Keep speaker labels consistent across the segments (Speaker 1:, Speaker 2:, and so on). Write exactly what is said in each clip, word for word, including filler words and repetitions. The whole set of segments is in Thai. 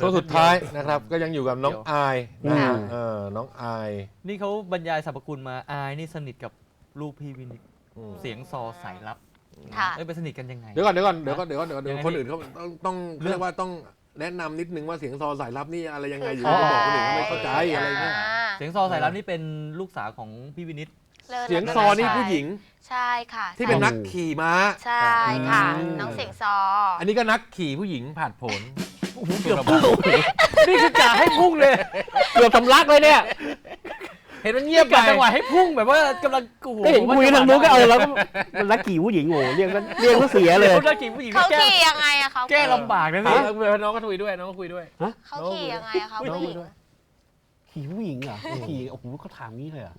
Speaker 1: ตัวสุดท้ายนะครับก็ยังอยู่กับน้องอายนะฮะเออน้องอาย
Speaker 2: นี่เขาบรรยายสรรพคุณมาอายนี่สนิทกับลูกพี่วินิจเสียงซอสายลับเอ้ยไปสนิทกันยังไง
Speaker 1: เดี๋ยวก่อนเดี๋ยวก่อนเดี๋ยวก่อนเดี๋ยวก่อนเดี๋ยวก่อนคนอื่นเขาต้องต้องเรียกว่าต้องแนะนำนิดนึงว่าเสียงซอสายลับนี่อะไรยังไงอยู่ก็บอกคนอื่นเขาไม่เข้าใจอะไรเงี้ย
Speaker 2: เสียงซอสายลับนี่เป็นลูกสาวของพี่วินิจ
Speaker 1: เสียงซอนี่ผู้หญิง
Speaker 3: ใช่ค่ะ
Speaker 1: ที่เป็นนักขี่ม้า
Speaker 3: ใช่ค่ะน้องเสียงซอ
Speaker 1: อันนี้ก็นักขี่ผู้หญิงผ่านผล
Speaker 2: เกือบพุ่งนี่คือกะให้พุ่งเลยเกือบทำลักเลยเนี่ย
Speaker 1: เห็นมันเงียบไป
Speaker 2: จังหวะให้พุ่งแบบว่ากำลังโอ้โห
Speaker 4: เห็นคุยทางนู้นก็เออแล้วก็นักขี่ผู้หญิงโง่เรียกเรียกว่าเสียเลย
Speaker 2: นักขี่ผู้หญิง
Speaker 3: เขาขี่ยังไงอะเขา
Speaker 2: แก้ลำบากนะพี่
Speaker 1: น้องก็คุยด้วยน้องก็คุยด้วย
Speaker 3: เขาขี่ยังไงอะเขาผู้หญิง
Speaker 4: ขี่ผู้หญิงเหรอขี่โอ้โหเขาถามนี้เลยอ่ะ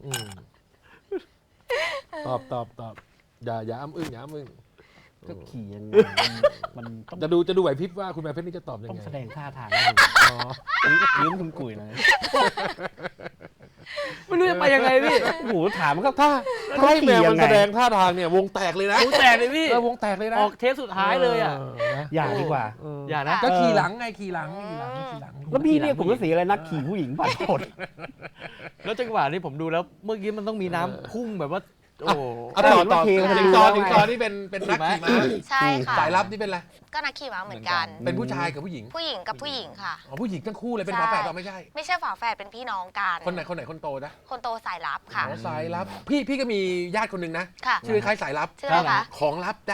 Speaker 1: ตอบตอบตอบอย่าอย่าอ้ำอึ้งอย่าอ้ำอึ้ง
Speaker 4: ก็ขี่ยังไงมัน
Speaker 1: จะดูจะดูไหวพริบว่าคุณแม่เพชรนี่จะตอบยังไง
Speaker 4: ต้องแสดงท่าทางอ๋อยิ้มคุณกุ๋ยเลย
Speaker 2: ไม่รู้จะไปยังไงพี่
Speaker 4: โอ้โหถามก็ท่า
Speaker 1: ถ้าให้แมวมันแสดงท่าทางเนี่ยวงแตกเลยนะ
Speaker 2: วงแตกเลยพี่
Speaker 1: วงแตกเลยนะ
Speaker 2: ออกเทปสุดท้ายเลยอ่ะ
Speaker 4: อย่าดีกว่า
Speaker 2: อย่านะ
Speaker 1: ก็ขี่หลังไงขี่หลังขี่หลังขี่หลัง
Speaker 4: แล้วพี่เนี่ยผมก็เสียอะไรนักขี่ผู้หญิงผ่านผล
Speaker 2: แล้วจังหวะนี้ผมดูแล้วเมื่อกี้มันต้องมีน้ำพุ่งแบบว่าโอ้
Speaker 1: ต่อต่อถึงตอนถึงตอนนี่เป็นเป็นนักขี่ม้า
Speaker 3: ใช่ค่ะ
Speaker 1: สายลับนี่เป็นอะไร
Speaker 3: ก็นักขี่ม้าเหมือนกัน
Speaker 1: เป็นผู้ชายกับผู้หญิง
Speaker 3: ผู้หญิงกับผู้หญิงค่ะ
Speaker 1: อ๋อผู้หญิงทั้งคู่เลยเป็นฝาแฝดเราไม่ใช่
Speaker 3: ไม่ใช่ฝาแฝดเป็นพี่น้องกัน
Speaker 1: คนไหนคนไหนคนโตนะ
Speaker 3: คนโตสายลับค่ะ
Speaker 1: สายลับพี่พี่ก็มีญาติคนหนึ่งนะชื่อคล้ายสายลับ
Speaker 3: ชื่ออะไรคะ
Speaker 1: ของลับจ้ะ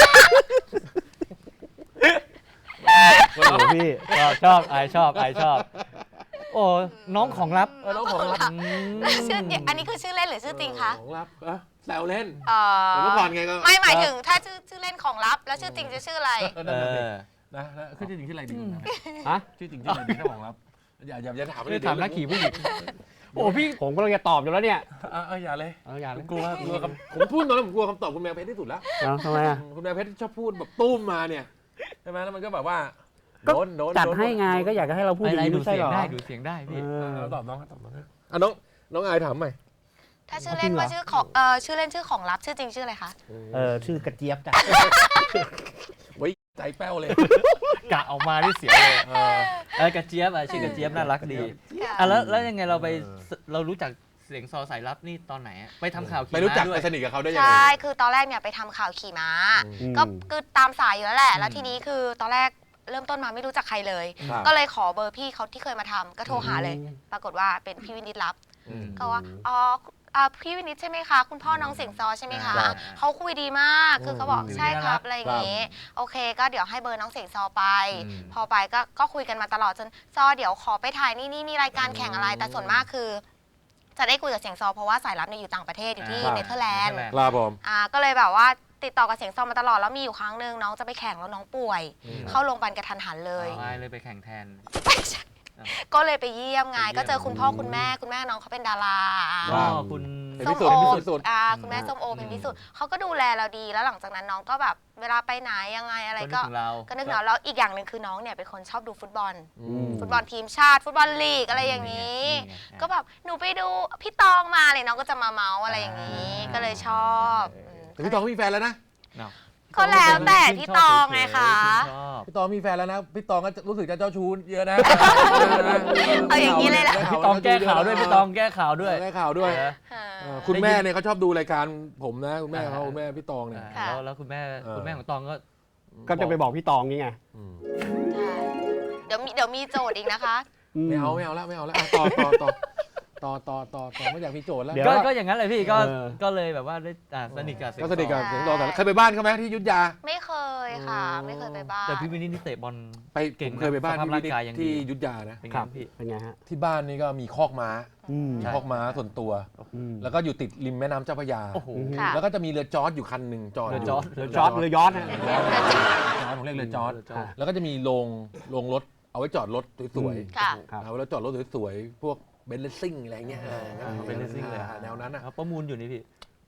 Speaker 4: โอ้พี่
Speaker 2: ชอบไอชอบไอชอบโอ้น้องของลับ
Speaker 1: น้องของลับ
Speaker 3: ชื่ออันนี้คือชื่อเล่นหรือชื่อจริงคะ
Speaker 1: ของลับแซวเล่น
Speaker 3: เมื่
Speaker 1: อก่อนไงก็
Speaker 3: ไม่หมายถึงถ้าชื่อชื่อเล่นของลับแล้วชื่อจริงจะชื่ออะไร
Speaker 1: นะคือชื่อจริงชื่ออะไรดี
Speaker 4: ฮะ
Speaker 1: ชื่อจริงชื่ออะไรดีถ้าของลับอย่าอย่าอย่าถาม
Speaker 2: เลยถามนักขี่ผู้หญิง
Speaker 4: โอ้พี่ผมก็เลยจะตอบอยู่แล้วเนี่ย
Speaker 1: เอออย่าเลย
Speaker 4: เอออย่าเลย
Speaker 1: กลัวกลัวผมพูดตอนนั้นผมกลัวคำตอบคุณแมวเพชรที่สุดแล้ว
Speaker 4: ทำไมอ่ะ
Speaker 1: คุณแมวเพชรชอบพูดแบบตุ้มมาเนี่ยใช่ไหมแล้วมันก็แบบว่า
Speaker 4: โดนโดนจัดให้ไงก็อยากให้เราพูดอย่างนี้
Speaker 2: ดู
Speaker 4: ใช่หรอ
Speaker 2: ได้ดูเสียงได้พี่
Speaker 1: ตอบน้องตอบน้องอ่ะน้องน้องอายถามใหม่
Speaker 3: ถ้าชื่อเล่นว่าชื่อของเออชื่อเล่นชื่อของลับชื่อจริงชื่ออะไรคะ
Speaker 4: เออชื่อกระเจี๊ยบจ้ะ
Speaker 1: ไว้ใจแป้วเลย
Speaker 2: กะออกมาที่เสียงเลยเออกระเจี๊ยบอ่ะชื่อกระเจี๊ยบน่ารักดีอ่ะแล้วแล้วยังไงเราไปเรารู้จักเสียงซอสายลับนี่ตอนไหนไปทำข่าวขี่ม้า
Speaker 1: ไปรู้จักไปสนิทกับเขาได้ยังไง
Speaker 3: ใช่คือตอนแรกเนี่ยไปทำข่าวขี่ม้าก็คือตามสายอยู่แล้วแหละแล้วทีนี้คือตอนแรกเริ่มต้นมาไม่รู้จักใครเลยก็เลยขอเบอร์พี่เขาที่เคยมาทำก็โทรหาเลยปรากฏว่าเป็นพี่วินิจรับก็ว่าอ๋อพี่วินิจใช่ไหมคะคุณพ่อน้องเสียงซอใช่ไหมคะเขาคุยดีมากคือเขาบอกใช่ครับอะไรอย่างงี้โอเคก็เดี๋ยวให้เบอร์น้องเสียงซอไปพอไปก็ก็คุยกันมาตลอดจนซอเดี๋ยวขอไปถ่ายนี่นี่มีรายการแข่งอะไรแต่ส่วนมากคือจะได้คุยกับเสียงซอเพราะว่าสายลับเนี่ยอยู่ต่างประเทศอยู่ที่เนเธอร์แลนด์
Speaker 1: ครับผม
Speaker 3: อ่าก็เลยแบบว่าติดต่อกับเสียงซอมาตลอดแล้วมีอยู่ครั้งหนึ่งน้องจะไปแข่งแล้วน้องป่วยเข้าโรงพยาบาลกระทันหันเลย
Speaker 2: เลยไปแข่งแทน
Speaker 3: ก็เลยไปเยี่ยมไงก็เจอคุณพ่อคุณแม่คุณแม่น้องเขาเป็นดารา
Speaker 2: คุณ
Speaker 3: ส้มโออ่าคุณแม่ส้มโอเป็นพิสุทธิ์เขาก็ดูแลเราดีแล้วหลังจากนั้นน้องก็แบบเวลาไปไหนยังไงอะไรก็ก็นึกถึงเราแล้วอีกอย่างหนึ่งคือน้องเนี่ยเป็นคนชอบดูฟุตบอลฟุตบอลทีมชาติฟุตบอลลีกอะไรอย่างนี้ก็แบบหนูไปดูพี่ตองมาเลยน้องก็จะมาเมาส์อะไรอย่างนี้ก็เลยชอบ
Speaker 1: แต่พี่ตองมีแฟนแล้วนะ
Speaker 3: ก็แล้วแต่พี่ตองไงคะ
Speaker 1: พี่ตองมีแฟนแล้วนะพี่ตองก็รู้สึกจะเจ้าชู้เยอะนะ
Speaker 3: เอาอย่างนี้เลยแหละ
Speaker 2: พี่ตองแก้ข่าวด้วยพี่ตองแก้ข่าวด้วย
Speaker 1: แก้ข่าวด้วยคุณแม่เนี่ยเขาชอบดูรายการผมนะคุณแม่เขาคุณแม่พี่ตองเนี่ย
Speaker 2: แล้วแล้วคุณแม่คุณแม่ของตองก็
Speaker 4: ก็จะไปบอกพี่ตองนี่ไง
Speaker 3: ใช่เดี๋ยวมีเดี๋ยวมีโจทย์อีกนะคะ
Speaker 1: ไม่เอาไม่เอาแล้วไม่เอาแล้วต่อต่อต่อต่อต่อต่อต่อไม่อยากมีโจทย์แล้ว
Speaker 2: ก็อย่างนั้นเลยพี่ก็ก็เลยแบบว่าได้สนิทกับ
Speaker 1: ก็สนิทกับเสียงซอแต่เคยไปบ้านเขาไหมที่ยุทธยา
Speaker 3: ไม่เคยค่ะไม่เคยไปบ้าน
Speaker 2: แต่พี่วินิจนี่เตะบอล
Speaker 1: ไปเก่งเคยไปบ้านพี่วินิจที่ยุทธยานะครับ
Speaker 4: เป็นไงฮะ
Speaker 1: ที่บ้านนี่ก็มีคอกม้าคอกม้าส่วนตัวแล้วก็อยู่ติดริมแม่น้ำเจ้าพระยาแล้วก็จะมีเรือจอร์จอยู่คันหนึ่งจอด
Speaker 4: เรือจอร์จเรือจอร์จเรือยอชต์นะ
Speaker 1: ผมเรียกเรือจอร์จแล้วก็จะมีโรงโรงรถเอาไว้จอดรถสวยๆเอาไว้จอดรถสวยๆพวกเบนซ์เลสซิ่งอะไรเงี้ย
Speaker 2: เป็นเลสซิ่งเลย
Speaker 1: แนวนั้นนะ
Speaker 2: ประมูลอยู่นี่พี่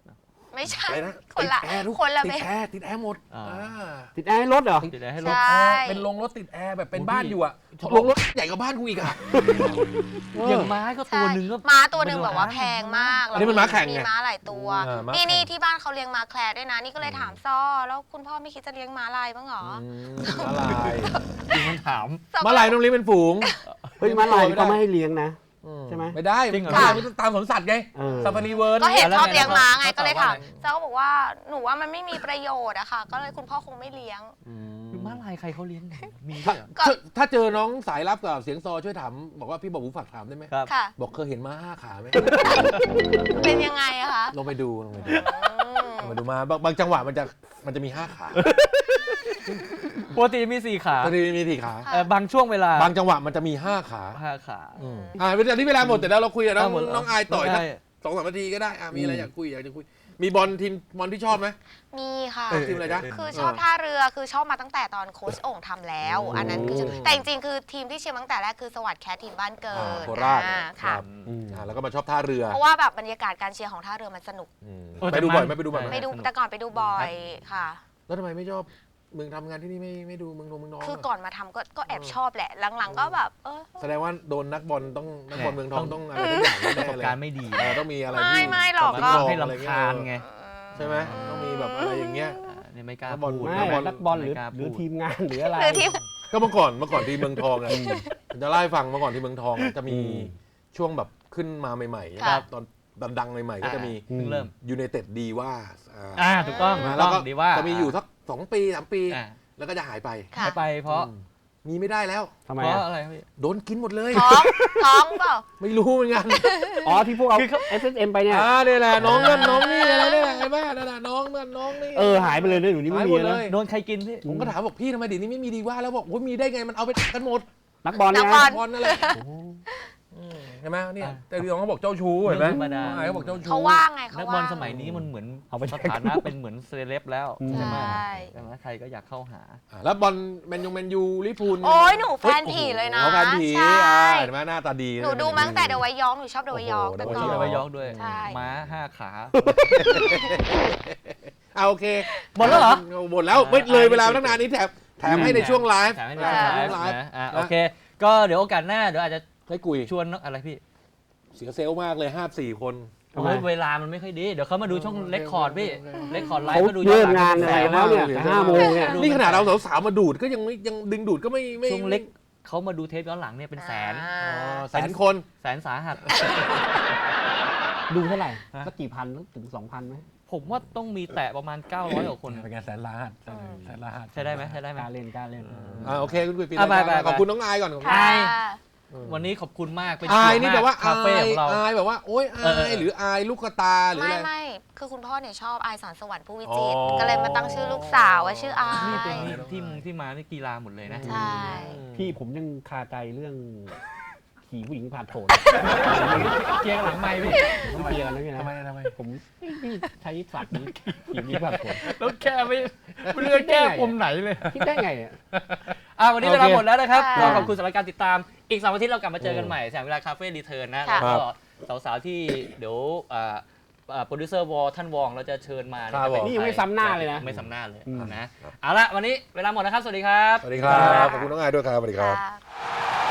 Speaker 3: ไม่ใช่
Speaker 1: อะไรนะ
Speaker 3: คนละ
Speaker 1: ติดแอร์ทุก
Speaker 3: คนละ
Speaker 1: ติด
Speaker 3: เบ
Speaker 1: แอร์ติดแอร์หมด
Speaker 2: อ่า
Speaker 1: อ่า
Speaker 4: ติดแอร์ให้รถเหรอ
Speaker 2: ติดได้ให้รถ
Speaker 3: ใช่
Speaker 1: เป็นโรงรถติดแอร์แบบเป็น
Speaker 2: โอ้
Speaker 1: บ้าน
Speaker 2: พี่
Speaker 1: อยู่อะโรงรถใหญ่กว่าบ้านกูอีกอะ
Speaker 2: อย่างม้าก็ตัวหนึ่งก็
Speaker 3: ม้าตัวหนึ่งแบบว่าแพงมาก
Speaker 1: อันนี้มันม้าแข่งไง
Speaker 3: มีม้าหลายตัว
Speaker 1: อ่าม้า
Speaker 3: นี่
Speaker 1: แข่ง
Speaker 3: นี่ที่บ้านเขาเลี้ยงม้าแคร์ด้วยนะ นี่ก็เลยถามซ้อแล้วคุณพ่อไม่คิดจะเลี้ยงม้าลายบ้างเหรอ
Speaker 1: อืมม้าลาย
Speaker 2: จริงมันถาม
Speaker 3: ซ้อก็
Speaker 1: ม้าลายต้องเลี้ยงเป็นฝูง
Speaker 4: เฮ้ยมาลายก็ไม่ให้เลี้ยงนะ
Speaker 1: อื
Speaker 4: ใช่ไหม
Speaker 1: ไม่ได้
Speaker 2: จริงเหรอ
Speaker 1: ม้าลายมันต้องตามสวนสัตว์ไง
Speaker 4: เออ
Speaker 1: ซาฟารีเวิร์
Speaker 3: ก็เห็น
Speaker 2: แล้ว
Speaker 3: ชอบ
Speaker 2: ไง
Speaker 3: เลี้ยงม้าไง
Speaker 2: แล้ว
Speaker 3: ก็เลย
Speaker 2: ตอบว่า
Speaker 3: ถาม
Speaker 2: ไง
Speaker 3: เจ้าก็บอกว่าหนูว่ามันไม่มีประโยชน์อะค่ะ ก็เลยคุณพ่อคงไม่เลี้ยง
Speaker 2: คือม้าลายใครเขาเลี้ยงกันมีด้วยเหรอ
Speaker 3: ก็
Speaker 1: ถ้าถ้าเจอน้องสายลับกับเสียงซอช่วยถามบอกว่าพี่บอกหูฝากถามได้ไหม
Speaker 2: ครับ
Speaker 3: ค่ะ
Speaker 1: บอกเคยเห็นม้าห้าขาไหม
Speaker 3: เป็นยังไงอะคะ
Speaker 1: ลองไปดูลองไปดู
Speaker 3: อืม
Speaker 1: ลองไปดูมาบางบางจังหวะมันจะมันจะมีห้าขา
Speaker 2: ปกติมีสี่ขา
Speaker 1: บางทีมีสี่ขา
Speaker 2: เอ่อบางช่วงเวลา
Speaker 1: บางจังหวะมันจะมีห้าขา
Speaker 2: ห้าขา
Speaker 1: อืมอ่าเวลาที่เวลาหมดแต่แล้วเราคุยกับน้อง
Speaker 2: หมดแล้ว
Speaker 1: น้องอายต่อย
Speaker 2: น้
Speaker 1: สัก
Speaker 2: งาย
Speaker 1: สองสามนาทีก็ได้อ่ะมีอะไรอยากคุยอยากจะคุยมีบอลทีมบอลที่ชอบไหม
Speaker 3: มีค่ะ
Speaker 1: เออทีมอะไรจ๊ะ
Speaker 3: คือชอบท่าเรือคือชอบมาตั้งแต่ตอนโค้ชโอ่งทำแล้ว อันนั้นคือชอบแต่จริงๆคือทีมที่เชียร์มาตั้งแต่แรกคือสวัสดิ์แคททีมบ้านเกิ
Speaker 1: อ่า
Speaker 3: ด
Speaker 1: โคราช
Speaker 3: อ่าค่ะ
Speaker 1: รับอ่าแล้วก็มาชอบท่าเรือ
Speaker 3: เพราะว่าแบบบรรยากาศการเชียร์ของท่าเรือมันสนุก
Speaker 1: อืม
Speaker 2: เออ
Speaker 1: ไปดูบ่อยไหม
Speaker 2: แต่มัน
Speaker 1: ไปดูบ่อยไหม
Speaker 3: ไปดูแต่ก่อนไปดูบ่อยค่ะ
Speaker 1: แล้วทำไมไม่ชอบมึงทำงานที่นี่ไม่ไม่ดูมึงนงมึงน้อง
Speaker 3: คือ
Speaker 1: อะ
Speaker 3: ก่อนมาทำก็ก็แอบชอบแหละ หลังๆก็แบบเออ
Speaker 1: แสดงว่าโดนนักบอลต้องนักบอล
Speaker 2: แน่
Speaker 1: เมืองทองต้องอะไรทุกอย่าง
Speaker 2: ประ
Speaker 1: แน่
Speaker 2: สบ
Speaker 1: ๆเลย
Speaker 2: การณ์ไม่ดี
Speaker 1: เออต้องมีอะไร
Speaker 3: ไม่
Speaker 1: ที่
Speaker 3: ไม่หรอก
Speaker 1: ต้
Speaker 3: ก็
Speaker 1: ง
Speaker 2: ให้
Speaker 1: อะไร
Speaker 2: รำคาญไง
Speaker 1: ใช่ไหมต้องมีแบบอะไรอย่างเงี้ย
Speaker 2: อ่านี่ไม่กล้า
Speaker 1: นักบอล
Speaker 2: พูด
Speaker 4: ไม่
Speaker 1: นักบอล
Speaker 4: นักบอลหรือ
Speaker 2: ไม่กล้า
Speaker 4: หรือ
Speaker 2: พูด
Speaker 4: ทีมงานหรืออะไร
Speaker 3: หรือที่
Speaker 1: ก็เมื่อก่อนเมื่อก่อนที่เมืองทองอ่ะผมจะเล่าให้ฟังเมื่อก่อนที่เมืองทองอะจะมี
Speaker 4: อืม
Speaker 1: ช่วงแบบขึ้นมาใหม่ๆ
Speaker 3: ค่ะ
Speaker 1: ตอนดังๆใหม่ๆก็จะมี
Speaker 2: เพิ่งเริ่ม
Speaker 1: ยูไนเต็ดดีว่า
Speaker 2: อ่าถูกต้อง
Speaker 3: อืม
Speaker 2: ถูก
Speaker 1: แล้
Speaker 2: ต้
Speaker 1: ว
Speaker 2: อง
Speaker 1: ก็
Speaker 2: ดีว่า
Speaker 1: จะมีอยู่สักสองปีสามปี
Speaker 2: อ่า
Speaker 1: แล้วก็จะหายไป
Speaker 3: ค่ะ
Speaker 2: ไม่ไปเพราะ
Speaker 1: อืมมีไม่ได้แล้ว
Speaker 4: ทำไม
Speaker 2: เพราะ
Speaker 4: อะ
Speaker 2: อะไรครับพี่
Speaker 1: โดนกินหมดเลย
Speaker 3: ท้องท้องเปล่า
Speaker 1: ไม่รู้เหมือนกัน
Speaker 4: อ๋อที่พวกเอา
Speaker 2: คือเขา
Speaker 4: เอส เอส เอ็ม ไปเนี่ย
Speaker 1: อ่าเนี่ยแหละน้องนั่นน้องนี่อะไรเนี่ยไอ้บ้านั่นน่ะน้องนั่นน้องนี่
Speaker 4: เออหายไปเลยเนี่ยหนูนี่ไม่
Speaker 1: หาย
Speaker 4: มี
Speaker 1: หมด
Speaker 4: แล้
Speaker 1: เล
Speaker 4: วย
Speaker 2: โดนใครกินพี่
Speaker 1: ผมก็ถามบอกพี่ทำไมเดี๋ยวนี้ไม่มีดีว่าแล้วบอกโอ้ยมีได้ไงมันเอาไปกันหมด
Speaker 4: นักบอล
Speaker 3: นั
Speaker 4: นะ
Speaker 3: กบอล
Speaker 1: บอลนั่นแหละอืมเห็นไหมเนี่ยแต่พี่น้องเขาบอกเจ้าชู้เห็นไหม
Speaker 2: ธรรมดา
Speaker 1: น้องอายเขาบอกเจ้าชู้
Speaker 3: เขาว่างไงเขา
Speaker 2: นัก
Speaker 3: ว่าง
Speaker 2: บอลสมัยนี้มันเหมือน
Speaker 4: เอาไป
Speaker 2: สถานะเป็นเหมือนเซเลบแล้ว
Speaker 4: อืม
Speaker 2: ใช่ไหม
Speaker 3: ใช่
Speaker 2: ใช่ไหมใครก็อยากเข้าหา
Speaker 1: อ่ะแล้วบอลแมนยูแมนยูลิพูล
Speaker 3: โอ้ยหนูแฟนผีเลยนะ
Speaker 1: อ๋อแฟนผี
Speaker 3: ใช่
Speaker 1: อ่าเห็นไหมหน้าตาดี
Speaker 3: หนูดูมาตั้งแต่เดอะไวท์ยอร์กหนูชอบเดอะไวท์ยอร์ก
Speaker 1: โอ้โห
Speaker 3: แต่
Speaker 2: โอ้ย
Speaker 3: ก่
Speaker 2: ช
Speaker 3: อ
Speaker 2: อบ
Speaker 3: น
Speaker 2: ไปยอกด้วย
Speaker 3: ใช่
Speaker 2: ม้าห้าขา
Speaker 1: เอาโอเค
Speaker 2: หมดแล้วเหรอ
Speaker 1: หมดแล้วไม่เลยเวลาตั้งนานนี้แถมแถมให้ในช่วงไลฟ์
Speaker 2: แถมให้
Speaker 1: แถ
Speaker 2: ใน
Speaker 1: ม
Speaker 2: ช่วง
Speaker 1: ให้
Speaker 2: ไล
Speaker 1: ไล
Speaker 2: ฟ์
Speaker 1: ฟ์
Speaker 2: นะอ่ะโอเค ก็เดี๋ยวโอกาสหน้าเดี๋ยวอาจจะ
Speaker 1: ให้กุย
Speaker 2: ชวนอะไรพี่
Speaker 1: เสียเซลล์มากเลยห้าสี่คน
Speaker 4: ทำไม
Speaker 2: โอ้ยเวลามันไม่ค่อยดี เดี๋ยวเขามาดูช่อง
Speaker 1: โอเค
Speaker 2: เลคคอร์ดพี่
Speaker 1: โอเค
Speaker 2: เลคคอร์ดไล
Speaker 4: เขา
Speaker 2: ฟ์ก็ดู
Speaker 4: เลิก
Speaker 2: หลั
Speaker 4: งานอะไรแล้วเนี่ยแต่ห้าโมงเนี่ย
Speaker 1: นี่ขนาดเราสาวๆมาดูดก็ยังไม่ยังดึงดูดก็ไม่ไม่
Speaker 2: ช่วงเล็กเขามาดูเทปย้อนหลังเนี่ยเป็นแสน
Speaker 3: อ่า
Speaker 1: อ๋อแสนคน
Speaker 2: แสนสาหัส
Speaker 4: ดูเท่าไหร่
Speaker 2: ฮะ
Speaker 4: สักกี่พันถึงสองพันไหม
Speaker 2: ผมว่าต้องมีแตะประมาณเก้าร้อยกว่าคน
Speaker 1: เป็นไงแสนล้านแสนล้าน
Speaker 2: ใช่ได้ไหมใช่ได้ไหม
Speaker 4: กล้ารเล่นกล้ารเล่น
Speaker 1: อ่าโอเคคุณกุยปี
Speaker 2: อ่ะไปไปไป
Speaker 1: ขอบคุณน้องอายก่อนขอบคุณ
Speaker 3: ค่ะ
Speaker 2: วันนี้ขอบคุณมากเป็น
Speaker 1: อาย
Speaker 2: เกียรติ
Speaker 1: นี่แบบว่า
Speaker 2: คา
Speaker 1: อา
Speaker 2: เฟ่
Speaker 1: ย
Speaker 2: ของเรา
Speaker 1: อายแบบว่าโอ๊ย
Speaker 2: เออเอ
Speaker 1: อา
Speaker 2: อ
Speaker 1: ยหรืออายลูกกระตาหรือ
Speaker 3: ไม่
Speaker 1: อะไร
Speaker 3: ไม่คือคุณพ่อเนี่ยชอบอายสอนสวรรค์ผู้วิจิตร
Speaker 1: อ๋อ
Speaker 3: ก็เลยมาตั้งชื่อลูกสาวว่าชื่ออาย
Speaker 2: นี่เป็นที่มึงที่มานี่กีฬาหมดเลยนะ
Speaker 3: ใช่
Speaker 4: พี่ผมยังคาใจเรื่องขี่ผู้หญิงผ่านโถน
Speaker 2: เกียร์หลังไม่พี่
Speaker 4: ต้องเคลียร์กันนะพี่นะ
Speaker 1: ทำไมทำไม
Speaker 4: ผมพี่ใช้สัตว์นี้ขี่ผู้หญิงผ่านโถน
Speaker 2: แล้วแก้ไม่ไม่รู้จะแก้ปมไหนเลย
Speaker 4: คิดได้ไงอ่ะ
Speaker 2: อ่ะวันนี้เวลาหมดแล้วนะครับ
Speaker 3: ค่ะ
Speaker 2: ก็ขอบคุณสำหรับการติดตามอีกสองอาทิตย์เรากลับมาเจอกันใหม่แสงเวลาคาเฟ่รีเทิร์นนะ
Speaker 3: ค่ะ
Speaker 2: แล้วก็สาวๆที่เดี๋ยวอ่าอ่าโปรดิวเซอร์วอลท่านวองเราจะเชิญมานะค
Speaker 1: ครั
Speaker 2: รับบ
Speaker 1: ผม
Speaker 4: นี่ยังไม่ซ้ำหน้าเลยนะ
Speaker 2: ไม่ซ้ำหน้าเลย
Speaker 4: อืม
Speaker 2: นะเอาละวันนี้เวลาหมดนะครับ สวัสดีครับ
Speaker 1: สวัสดีครับขอบคุณน้องอายด้วยครับสวัสดีครับ
Speaker 3: ค่ะ